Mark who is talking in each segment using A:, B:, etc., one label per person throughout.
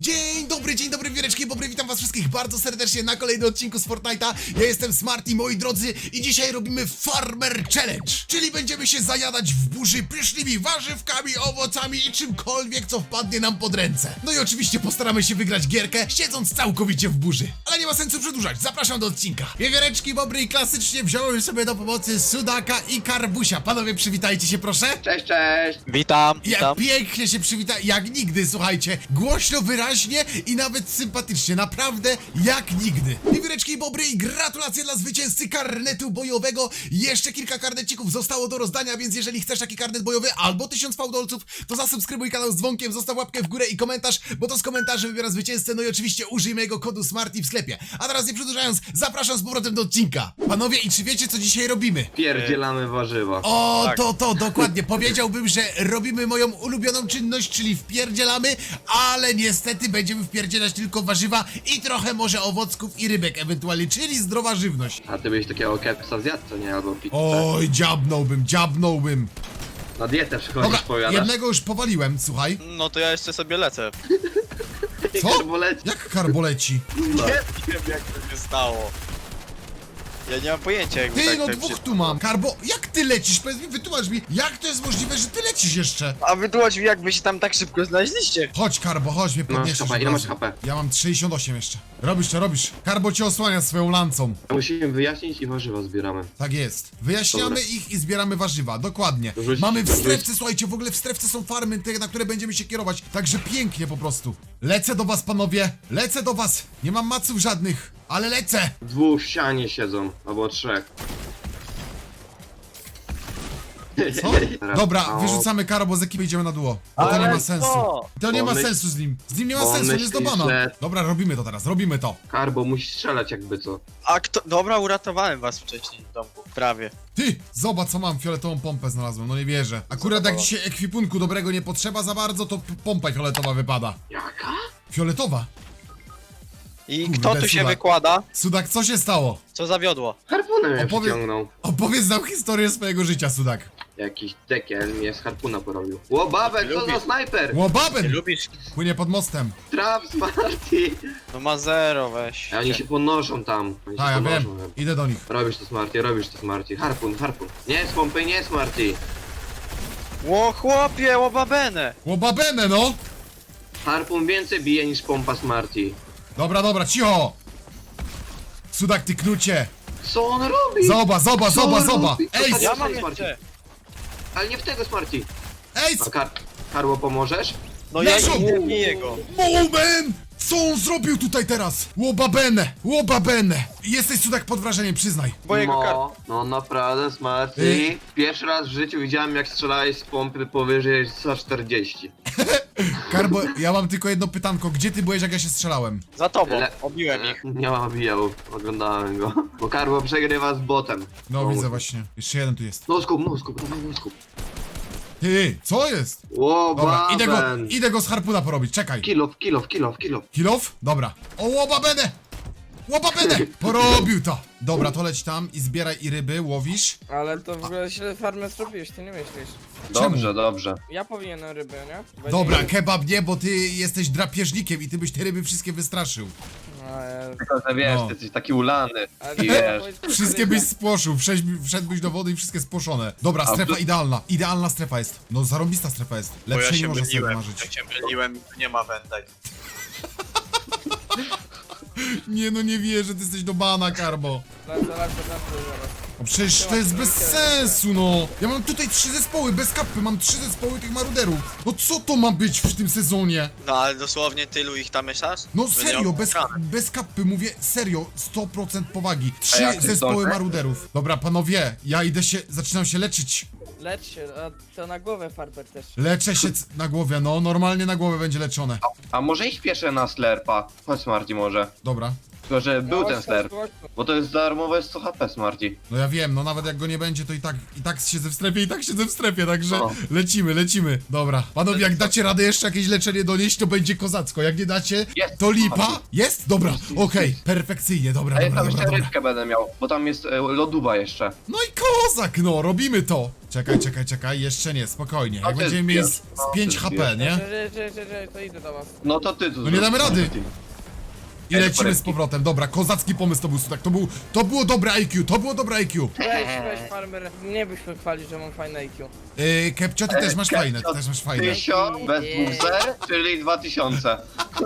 A: Dzień dobry, wieleczki, bobry, witam was wszystkich bardzo serdecznie na kolejnym odcinku z Fortnite'a. Ja jestem Smarty, moi drodzy, i dzisiaj robimy Farmer Challenge, czyli będziemy się zajadać w burzy pysznymi warzywkami, owocami i czymkolwiek, co wpadnie nam pod ręce. No i oczywiście postaramy się wygrać gierkę, siedząc całkowicie w burzy. Ale nie ma sensu przedłużać, zapraszam do odcinka. Wiewióreczki, bobry, i klasycznie wziąłem sobie do pomocy Sudaka i Karbusia. Panowie, przywitajcie się proszę.
B: Cześć, cześć!
C: Witam,
A: Jak
C: witam.
A: pięknie się przywita, jak nigdy, słuchajcie. Głośno, wyraźnie i nawet sympatycznie, naprawdę jak nigdy. Wiewióreczki i bobry, i gratulacje dla zwycięzcy karnetu bojowego. Jeszcze kilka karnecików zostało do rozdania, więc jeżeli chcesz taki karnet bojowy albo 1000 fałdolców, to zasubskrybuj kanał z dzwonkiem, zostaw łapkę w górę i komentarz, bo to z komentarzy wybiera zwycięzcę, no i oczywiście użyj mojego kodu SMARTY w sklepie. A teraz nie przedłużając, zapraszam z powrotem do odcinka. Panowie, i czy wiecie, co dzisiaj robimy?
B: Pierdzielamy warzywa.
A: O,
C: Tak.
A: to, dokładnie. Powiedziałbym, że robimy moją ulubioną czynność, czyli wpierdzielamy, ale niestety będziemy wpierdzielać tylko warzywa i trochę może owocków i rybek ewentualnie, czyli zdrowa żywność.
B: A ty byś takiego kepsa zjadł, co nie? Albo pizzę.
A: Oj, dziabnąłbym.
B: Na dietę przychodzisz,
A: Dobra,
B: powiadasz.
A: jednego już powaliłem, słuchaj.
C: No to ja jeszcze sobie lecę.
A: Co?
B: Karboleci.
A: Jak karboleci?
C: Nie wiem jak to się stało. Ja nie mam pojęcia jak
A: Ty,
C: tak
A: no
C: tak
A: dwóch
C: się-
A: tu mam. Karbo, jak ty lecisz? Powiedz mi, wytłumacz mi, jak to jest możliwe, że ty lecisz jeszcze?
C: A wytłumacz mi jak wy się tam tak szybko znaleźliście.
A: Chodź, Karbo, chodź, mnie
B: Masz
A: podniesiesz.
B: HP,
A: od
B: ile masz
A: razu.
B: HP?
A: Ja mam 68 jeszcze. Robisz to, robisz. Karbo cię osłania swoją lancą.
B: Musimy wyjaśnić i warzywa zbieramy.
A: Tak jest. Wyjaśniamy
B: Dobra.
A: ich i zbieramy warzywa, dokładnie.
B: Rzuć-
A: Mamy w
B: rzuć-
A: strefce, słuchajcie, w ogóle w strefce są farmy, te, na które będziemy się kierować. Także pięknie po prostu. Lecę do was, panowie. Lecę do was. Nie mam maców żadnych, ale lecę.
B: Dwóch w ścianie siedzą, albo trzech.
A: Co?
B: Teraz-
A: Dobra,
B: o,
A: wyrzucamy Karo, bo z ekipy idziemy na duo. Bo to nie ma sensu. To nie ma
B: Bo
A: sensu z nim. Z nim nie ma
B: bo
A: sensu, on jest do
B: myślisz,
A: bana.
B: że-
A: Dobra, robimy to teraz, robimy to.
B: Karbo musi strzelać jakby co.
C: A kto... Dobra, uratowałem was wcześniej w domku. Prawie.
A: Ty, zobacz co mam, fioletową pompę znalazłem, no nie wierzę. Akurat jak dzisiaj ekwipunku dobrego nie potrzeba za bardzo, to pompa fioletowa wypada.
B: Jaka?
A: Fioletowa?
C: I
A: Kurde,
C: kto tu się
A: Sudak.
C: wykłada?
A: Sudak, co się stało?
C: Co zawiodło?
B: Harpunem mnie
A: Opowie-
B: przyciągnął.
A: Opowiedz nam historię swojego życia, Sudak.
B: Jakiś dekiel mnie z harpuna porobił. Ło, babek, co za
C: Lubisz.
B: snajper?
C: Ty
A: Łobaben!
C: lubisz?
A: Płynie pod mostem.
B: Traf, Smarty!
C: No ma zero, weź.
B: A oni się podnoszą tam. Oni się
A: A, ja wiem.
B: podnoszą.
A: Idę do nich.
B: Robisz to Smarty. Harpun. Nie z pompy, nie Smarty.
C: Ło chłopie, łobabenę!
A: Łobabenę, no!
B: Harpun więcej bije niż pompa Smarty.
A: Dobra, cicho! Sudak, ty knucie!
B: Co on robi?
A: Zoba!
B: Co robi?
A: Ej!
B: Zostań-
C: Ja mam
B: Smarty.
C: jeszcze.
B: Ale nie w tego Smarty.
A: Ej!
B: A Karło pomożesz?
C: No ja
A: Leżą!
C: nie jego.
A: Moment! Co on zrobił tutaj teraz? Łobabenę! Jesteś, Sudak, pod wrażeniem, przyznaj.
C: Bo jego kar...
B: No naprawdę Smarty.
A: Ej.
B: Pierwszy raz w życiu widziałem jak strzelałeś z pompy powyżej 140.
A: Karbo, ja mam tylko jedno pytanko. Gdzie ty byłeś, jak ja się strzelałem?
C: Za tobą,
B: Le-
C: obiłem ich.
B: Nie ma bijał, oglądałem go. Bo Karło przegrywa z botem.
A: No, widzę właśnie. Jeszcze jeden tu jest.
B: No skup, dawaj no skup.
A: Ty, co jest?
B: Ło,
A: Dobra,
B: baben.
A: idę go z harpuna porobić, czekaj.
B: Kilof.
A: Kilof? Dobra. O, łobabenę! Porobił to! Dobra, to leć tam i zbieraj i ryby, łowisz.
D: Ale to w ogóle źle farmę zrobiłeś, ty nie myślisz.
B: Dobrze.
D: Ja powinienem ryby, nie? Będzie-
A: Dobra, kebab nie, bo ty jesteś drapieżnikiem i ty byś te ryby wszystkie wystraszył.
D: No,
B: Tylko, że wiesz,
A: No.
B: ty jesteś taki ulany.
D: ale
B: I
D: to
B: wiesz.
D: powiedz-
A: Wszystkie byś spłoszył, wszedłbyś do wody i wszystkie spłoszone. Dobra,
B: A
A: strefa
B: tu-
A: idealna. Idealna strefa jest. No, zarąbista strefa jest.
C: Bo ja
A: Lepszej nie
C: się
A: można sobie
C: myliłem.
A: marzyć.
C: Ja się myliłem, nie ma wędek.
A: Nie no, nie wierzę, ty jesteś do bana, Karbo.
D: Lecę zaraz.
A: No przecież to jest bez sensu, no. Ja mam tutaj 3 zespoły, bez kapy, mam 3 zespoły tych maruderów. No co to ma być w tym sezonie?
C: No ale dosłownie tylu ich tam mieszasz?
A: No
C: Będę
A: serio,
C: miał
A: bez,
C: ekran.
A: bez kapy, mówię serio, 100% powagi. 3
B: jak ty
A: zespoły
B: zdążę?
A: maruderów. Dobra, panowie, ja zaczynam się leczyć.
D: Lecz się, a to na głowę farber też.
A: Leczę się na głowie, no, normalnie na głowę będzie leczone.
B: A może iść piesze na slerpa? Chodź Smarty może.
A: Dobra.
B: Tylko, że był
D: No,
B: ten
D: chodź,
B: ster.
D: chodź,
B: Bo to jest darmowe 100 HP, Smarty.
A: No ja wiem, no nawet jak go nie będzie, to i tak siedzę w strefie, i tak siedzę w strefie, także
B: No.
A: lecimy. Dobra, panowie, jak dacie radę jeszcze jakieś leczenie donieść, to będzie kozacko, jak nie dacie,
B: Jest.
A: to lipa. Jest? Dobra, okej, perfekcyjnie, dobra.
B: A ja tam jeszcze rybkę będę miał, bo tam jest lodówa jeszcze.
A: No i kozak, no, robimy to. Czekaj, jeszcze nie, spokojnie.
B: A
A: Jak
B: ty
A: będziemy mieli
B: zbierz.
A: z
B: No,
A: 5
B: ty
A: HP,
B: zbierz.
A: nie?
D: To idę do was.
B: No to ty tu
A: No nie damy
B: zrób.
A: rady. I
B: Ej,
A: lecimy z
B: poręcznik.
A: powrotem, dobra, kozacki pomysł to był, tak, to było dobre IQ, to było dobre IQ.
D: Weź farmer, nie byś mnie chwalił, że mam fajne IQ.
A: Kepcio, ty też masz fajne, ty też masz fajne.
B: 1000 bez dwóch zer, czyli 2000.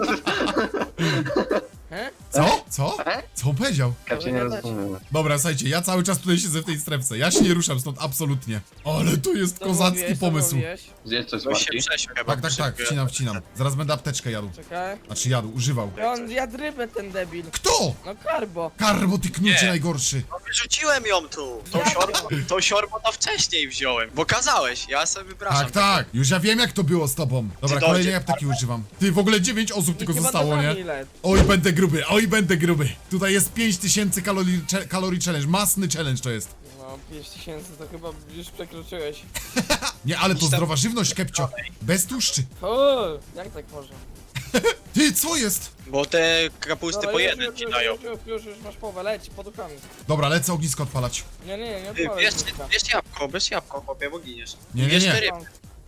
D: He?
A: Co?
B: E?
A: Co on powiedział?
B: Ja cię nie rozumiem.
A: Dobra, słuchajcie, ja cały czas tutaj siedzę w tej strefce, ja się nie ruszam stąd, absolutnie. Ale to jest kozacki pomysł.
B: Zjedz coś,
C: Bo się
B: Smarty.
C: przesiął chyba.
A: Tak, wcinam. Zaraz będę apteczkę jadł.
D: Czekaj.
A: Znaczy jadł, używał.
D: On jadł rybę, ten debil.
A: Kto?
D: No karbo.
A: Karbo, ty knucie
C: Nie.
A: najgorszy.
C: No wyrzuciłem ją tu. Tą siorbą to wcześniej wziąłem. Bo kazałeś, ja sobie wypraszam.
A: Tak, już ja wiem jak to było z tobą. Dobra,
C: Czy
A: kolejnej
C: dojdzie?
A: apteki używam. Ty, w ogóle 9 osób tylko
D: Chyba
A: zostało,
D: to
A: nie?
D: ile?
A: Oj, będę gruby. Tutaj jest 5000 kalorii challenge, masny challenge to jest.
D: No 5000 to chyba już przekroczyłeś.
A: Nie, ale to zdrowa żywność, Kepcio. Bez tłuszczy.
D: O, jak tak można?
A: Ty, co jest?
C: Bo te kapusty
D: Dobra,
C: po
D: już,
C: jeden
D: już,
C: ci
D: już,
C: dają.
D: już masz połowę, leć pod rukami.
A: Dobra, lecę ognisko odpalać.
D: Nie
C: Ty,
D: odpalaj ogniska.
C: bierz jabłko, chłopie, bo giniesz.
A: Nie,
C: Bierz
A: nie.
C: te ryby.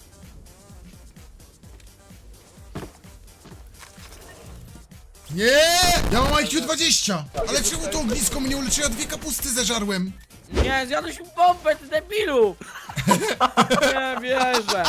A: Nie! Ja mam IQ 20! Ale czemu to ognisko mnie uleczy? Ja 2 kapusty zeżarłem.
D: Nie, zjadłeś mi pompę, ty debilu! Nie wierzę.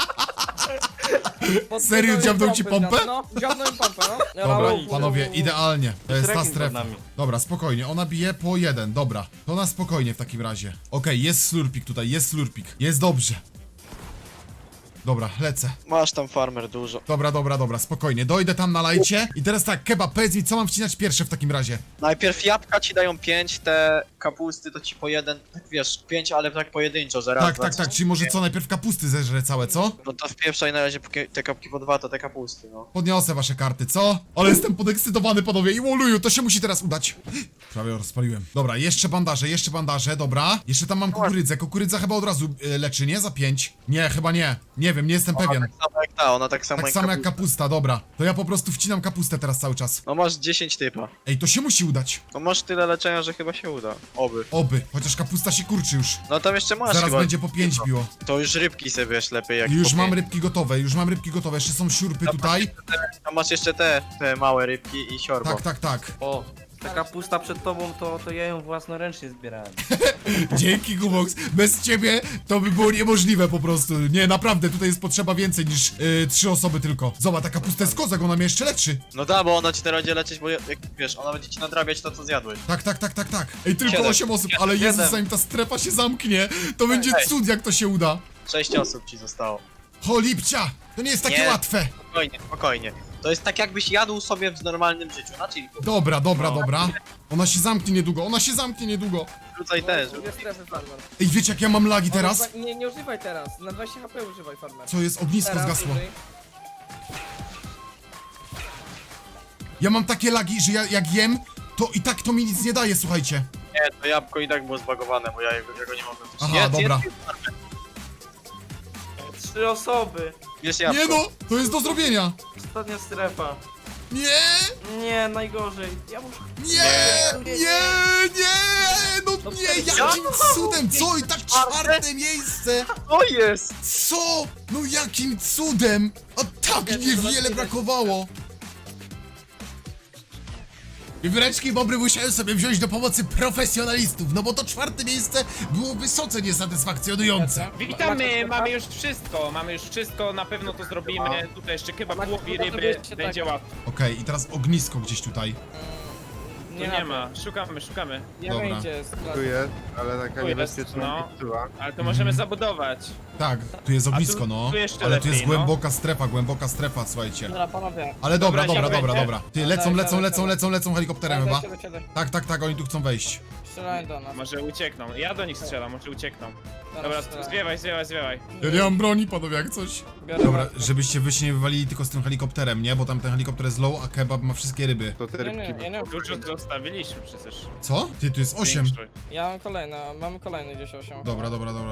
A: Serio, dziabnął ci pompę?
D: No, dziabnął mi pompę, no.
A: Dobra,
D: Rauf,
A: panowie, idealnie. To jest ta
E: Rekin pod
A: strefa.
E: nami.
A: Dobra, spokojnie, ona bije po 1, dobra. To na spokojnie w takim razie. Okej, jest slurpik tutaj, jest slurpik. Jest dobrze. Dobra, lecę.
C: Masz tam farmer dużo.
A: Dobra, spokojnie. Dojdę tam na lajcie. I teraz tak, kebab, powiedz mi, co mam wcinać pierwsze w takim razie?
C: Najpierw jabłka ci dają 5, te kapusty to ci po 1, tak wiesz, 5, ale tak pojedynczo, że raz, dwa,
A: Tak, czyli może co, najpierw kapusty zeżrę całe, co?
C: No to wpieprzaj na razie te kapki po 2, to te kapusty, no.
A: Podniosę wasze karty, co? Ale jestem podekscytowany, panowie, i woluju, to się musi teraz udać. Prawie rozpaliłem. Dobra, jeszcze bandaże, dobra. Jeszcze tam mam kukurydzę. Kukurydza chyba od razu leczy, nie? Za 5. Nie, chyba nie. Nie wiem, nie jestem pewien.
C: Tak samo jak ta, ona tak samo
A: Tak
C: jak
A: samo jak
C: kapusta.
A: kapusta, dobra. To ja po prostu wcinam kapustę teraz cały czas.
C: No masz 10 typa.
A: Ej, to się musi udać.
C: No masz tyle leczenia, że chyba się uda. Oby.
A: Oby, chociaż kapusta się kurczy już.
C: No tam jeszcze masz
A: Zaraz
C: chyba.
A: będzie po 5 biło.
C: To już rybki sobie wiesz lepiej jak
A: Już
C: po
A: mam
C: pięć.
A: rybki gotowe, Jeszcze są siurpy tutaj.
C: Tam masz jeszcze te małe rybki i siorbo.
A: Tak.
E: O, taka pusta przed tobą, to ja ją własnoręcznie zbierałem.
A: Dzięki, Gumox. Bez ciebie to by było niemożliwe po prostu. Nie, naprawdę, tutaj jest potrzeba więcej niż 3 osoby tylko. Zobacz, ta kapusta jest kozak, ona mnie jeszcze leczy.
C: No da, bo ona ci teraz będzie leczyć, bo jak wiesz, ona będzie ci nadrabiać to, co zjadłeś.
A: Tak. Ej, tylko
C: 7.
A: 8 osób, ale Jezus, zanim ta strefa się zamknie, to będzie
C: Ej.
A: cud, jak to się uda.
C: 6 osób ci zostało.
A: Cholipcia! To nie jest takie
C: Nie.
A: łatwe.
C: Spokojnie. To jest tak jakbyś jadł sobie w normalnym życiu, na chillku.
A: Dobra. Ona się zamknie niedługo.
C: Rzucaj też.
D: Dwie strefy, farmer.
A: Ej, wiecie jak ja mam lagi teraz?
D: Nie używaj teraz, na 20 HP używaj, farmer.
A: Co jest? Ognisko
D: Teraz
A: zgasło.
D: użyj.
A: Ja mam takie lagi, że jak jem, to i tak to mi nic nie daje, słuchajcie.
C: Nie, to jabłko i tak było zbagowane, bo ja go nie mogłem też.
A: Aha, dobra.
E: 3 osoby.
C: Bierz jabłko.
A: Nie no, to jest do zrobienia.
E: Ostatnia strefa.
A: Nie!
E: Nie, najgorzej. Ja muszę...
A: No nie, jakim cudem, co? I tak 4. miejsce!
C: O jest!
A: Co? No jakim cudem? A tak niewiele brakowało! Wiewióreczki i bobry musiałem sobie wziąć do pomocy profesjonalistów, no bo to 4. miejsce było wysoce niesatysfakcjonujące.
F: Witamy, mamy już wszystko, na pewno to zrobimy. Tutaj jeszcze kebab, głowi, ryby, będzie łatwo.
A: Okej, i teraz ognisko gdzieś tutaj.
F: Tu nie ma, szukamy.
D: Nie
A: Dobra.
D: wiem gdzie jest.
G: Tu jest, ale taka
F: Tu jest,
G: niebezpieczna
F: no.
G: piczuła.
F: Ale to możemy zabudować.
A: Tak, tu jest ognisko,
F: tu-
A: no.
F: tu jeszcze
A: Ale tu jest
F: lepiej, no.
A: głęboka strefa, słuchajcie.
D: Dobra, panowie.
A: Ale dobra,
F: Dobra,
A: dobra.
F: siadajcie.
A: Ty, lecą helikopterem chyba. Tak, oni tu chcą wejść.
D: Strzelają do nas.
F: Może uciekną. Ja do nich strzelam, może uciekną. Dobra,
D: strzelają.
F: zwiewaj.
A: Ja nie mam broni, panowie, jak coś.
D: Biorę
A: Dobra,
D: was.
A: żebyście wy się nie wywalili tylko z tym helikopterem, nie? Bo tam ten helikopter jest low, a kebab ma wszystkie ryby.
G: To te
D: Nie,
G: rybki.
D: nie.
F: Dużo zostawiliśmy przecież.
A: Co? Ty, tu jest 8.
F: Większość.
D: Ja mam kolejne, mamy kolejne gdzieś 8.
A: Dobra.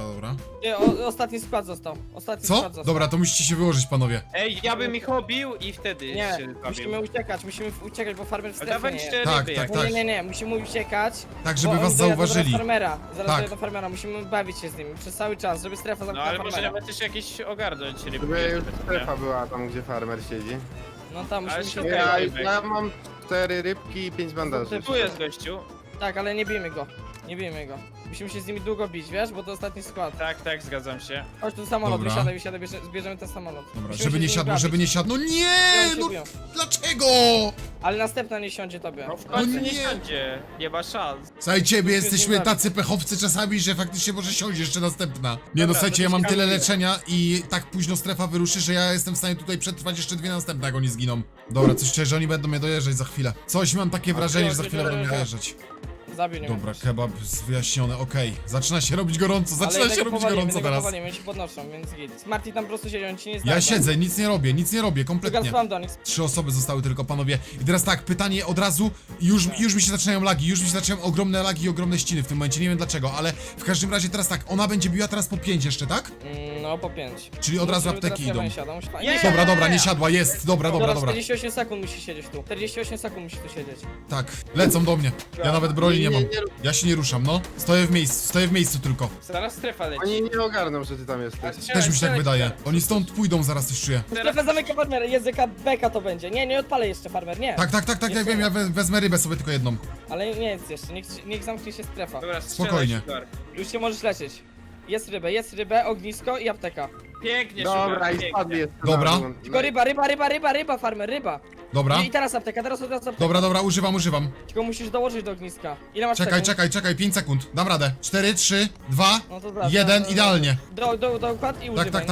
D: Nie, ostatni skład został. Ostatni
A: Co?
D: skład został.
A: Dobra, to musicie się wyłożyć, panowie.
F: Ej, ja bym ich obił i wtedy
D: Nie,
F: się
D: musimy uciekać, bo farmer w strefie nie
F: Dawaliście
D: jest.
A: Tak,
F: ryby
A: tak,
F: jak...
A: tak.
D: Nie, musimy uciekać.
A: Tak, żeby
D: bo
A: was
D: oni dojadą
A: zauważyli.
D: Do farmera. Zaraz
A: Tak.
D: dojadą do farmera, musimy bawić się z nimi przez cały czas, żeby strefa
F: No
D: zamknęła
F: ale może
D: farmera.
F: nawet też jakieś ogarnąć ryby.
G: Żeby już strefa była tam, gdzie farmer siedzi.
D: No tam
F: Ale
D: musimy się...
F: szukaj.
G: Ja mam 4 rybki i 5 bandaży.
F: Tu jest gościu.
D: Tak, ale nie bijmy go. Musimy się z nimi długo bić, wiesz, bo to ostatni skład.
F: Tak, zgadzam się.
D: Chodź tu samolot,
A: Dobra.
D: wysiadaj, zbierzemy ten samolot.
A: Dobra,
D: Musimy
A: żeby
D: się
A: nie
D: z nimi
A: siadło,
D: bawić.
A: żeby nie siadło. No nie!
D: Oni się
A: No
D: biją.
A: dlaczego?
D: Ale następna nie siądzie tobie.
F: No w końcu
A: No
F: nie
A: nie.
F: siądzie. Nie ma szans.
A: Słuchajcie, my jesteśmy
D: bawić.
A: tacy pechowcy czasami, że faktycznie może siąść jeszcze następna. Nie no,
F: Dobra,
A: słuchajcie,
F: to
A: ja mam tyle
F: ciekawe.
A: leczenia i tak późno strefa wyruszy, że ja jestem w stanie tutaj przetrwać jeszcze 2 następne, jak oni zginą. Dobra, coś czuję, że oni będą mnie dojeżdżać za chwilę. Coś mam takie wrażenie, że za chwilę będą mnie dojeżdżać.
D: Zabił nie
A: Dobra, kebab wyjaśniony, okej. Zaczyna się robić gorąco, zaczyna się robić gorąco teraz.
D: powalimy, oni się podnoszą, więc git. Smarty tam po prostu siedzi, on ci nie zda.
A: Ja siedzę, nic nie robię,
D: Tylko
A: kompletnie.
D: spam do nich.
A: 3 osoby zostały tylko, panowie. I teraz tak, pytanie od razu. Już mi się zaczynają lagi, już mi się zaczynają ogromne lagi i ogromne ściny w tym momencie. Nie wiem dlaczego, ale w każdym razie teraz tak, ona będzie biła teraz po 5 jeszcze, tak?
D: No, po 5.
A: Czyli od razu apteki idą.
F: Nie!
A: Dobra, nie siadła, jest. Dobra.
D: 48 sekund musi siedzieć tu. 48 sekund musi tu siedzieć.
A: Tak, lecą do mnie. Ja nawet broni nie mam. Ja się nie ruszam, no. Stoję w miejscu tylko.
F: Zaraz strefa leci.
G: Oni nie ogarną, że ty tam jesteś.
A: Też mi się tak wydaje. Oni stąd pójdą zaraz, coś czuję.
D: Strefę zamyka farmer, języka beka to będzie. Nie odpalę jeszcze farmer, nie.
A: Tak, ja wiem, ja wezmę rybę sobie tylko jedną.
D: Ale nie jest jeszcze, niech zamknie się strefa.
F: Dobra, strzelaj,
A: Spokojnie.
F: Sugar.
D: Już się możesz lecieć. Jest rybę, ognisko i apteka.
F: Pięknie,
G: Dobra,
F: Sugar,
G: i
F: pięknie.
G: spadli jeszcze.
A: Dobra.
G: na dół.
D: Tylko ryba, farmer, ryba.
A: Dobra.
D: I teraz apteka, teraz od razu apteka.
A: Dobra, używam.
D: Tylko musisz dołożyć do ogniska. Ile masz sekund?
A: Czekaj, 5 sekund. Dam radę. 4, 3, 2,
D: No to zaraz,
A: 1,
D: zaraz.
A: idealnie.
D: Dokład i używaj,
A: Tak.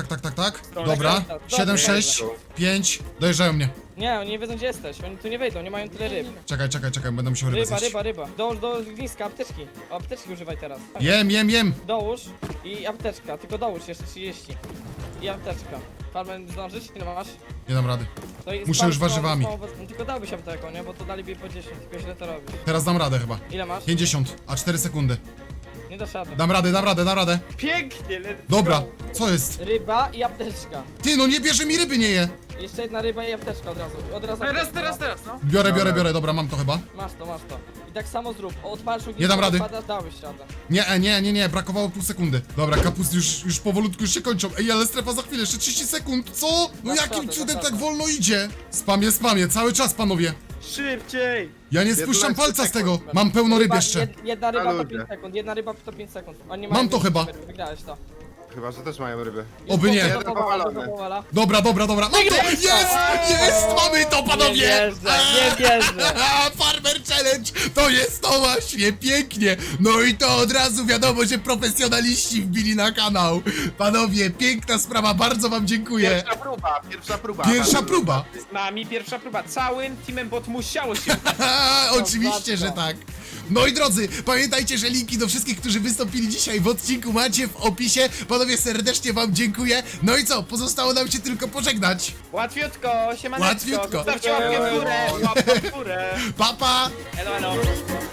D: no.
A: Dobra.
D: Dobra.
A: 7, 6, 5. Dojeżdżają mnie.
D: Nie, oni nie wiedzą gdzie jesteś, oni tu nie wejdą, nie mają tyle ryb.
A: Czekaj, będę musiał rybę zjeść.
D: Ryba. Dołóż do ogniska, apteczki. O, apteczki używaj teraz.
A: Jem.
D: Dołóż i apteczka, tylko dołóż jeszcze 30. I apteczka. Farmer zdążyć? Ile masz?
A: Nie dam rady.
D: To jest
A: Muszę
D: spam,
A: już
D: spam,
A: warzywami.
D: spam, tylko dałbyś apteką, nie? Bo to daliby po 10, tylko źle to robisz.
A: Teraz dam radę chyba.
D: Ile masz?
A: 50, a 4 sekundy.
D: Nie dasz rady.
A: Dam radę.
F: Pięknie, let's
A: Dobra,
F: go.
A: co jest?
D: Ryba i apteczka.
A: Ty, no nie bierze mi ryby, nie je.
D: Jeszcze jedna ryba i apteczka od razu.
F: Teraz, no.
A: Biorę, dobra, mam to chyba.
D: Masz to. I tak samo zrób. Odpalasz ognisko,
A: Nie dam rady.
D: odpadasz, dałbyś radę.
A: Nie, brakowało pół sekundy. Dobra, kapusty już powolutku już się kończą. Ej, ale strefa za chwilę, jeszcze 30 sekund, co? No
D: Dasz
A: jakim
D: radę,
A: cudem
D: dasz
A: tak
D: radę.
A: wolno idzie? Spamię, cały czas, panowie.
F: Szybciej!
A: Ja nie
G: 15
A: spuszczam palca z tego.
G: sekund.
A: Mam pełno ryb
D: Ryba-
A: jeszcze.
D: Jedna ryba to
G: ludzie.
D: 5 sekund, jedna ryba to 5 sekund. Oni
A: Mam
D: mają
A: to chyba.
D: Wygrałeś to.
G: Chyba, że też mają ryby.
A: Oby nie.
G: Jeden powalony.
A: Dobra. Mam to! Jest! Mamy to, panowie!
D: Nie wierzę.
A: Farmer Challenge! To jest to właśnie, pięknie! No i to od razu wiadomo, że profesjonaliści wbili na kanał. Panowie, piękna sprawa, bardzo wam dziękuję.
G: Pierwsza próba.
A: Pierwsza próba.
F: Z nami pierwsza próba. Całym teamem bot musiało się
A: Oczywiście, że tak. No i drodzy, pamiętajcie, że linki do wszystkich, którzy wystąpili dzisiaj w odcinku macie w opisie. Panowie, serdecznie wam dziękuję. No i co, pozostało nam się tylko pożegnać.
F: Łatwiutko, siemaneczko.
A: Łatwiutko.
F: Zostawcie łapkę w górę, łapkę w górę.
A: Pa, pa!
F: Elo.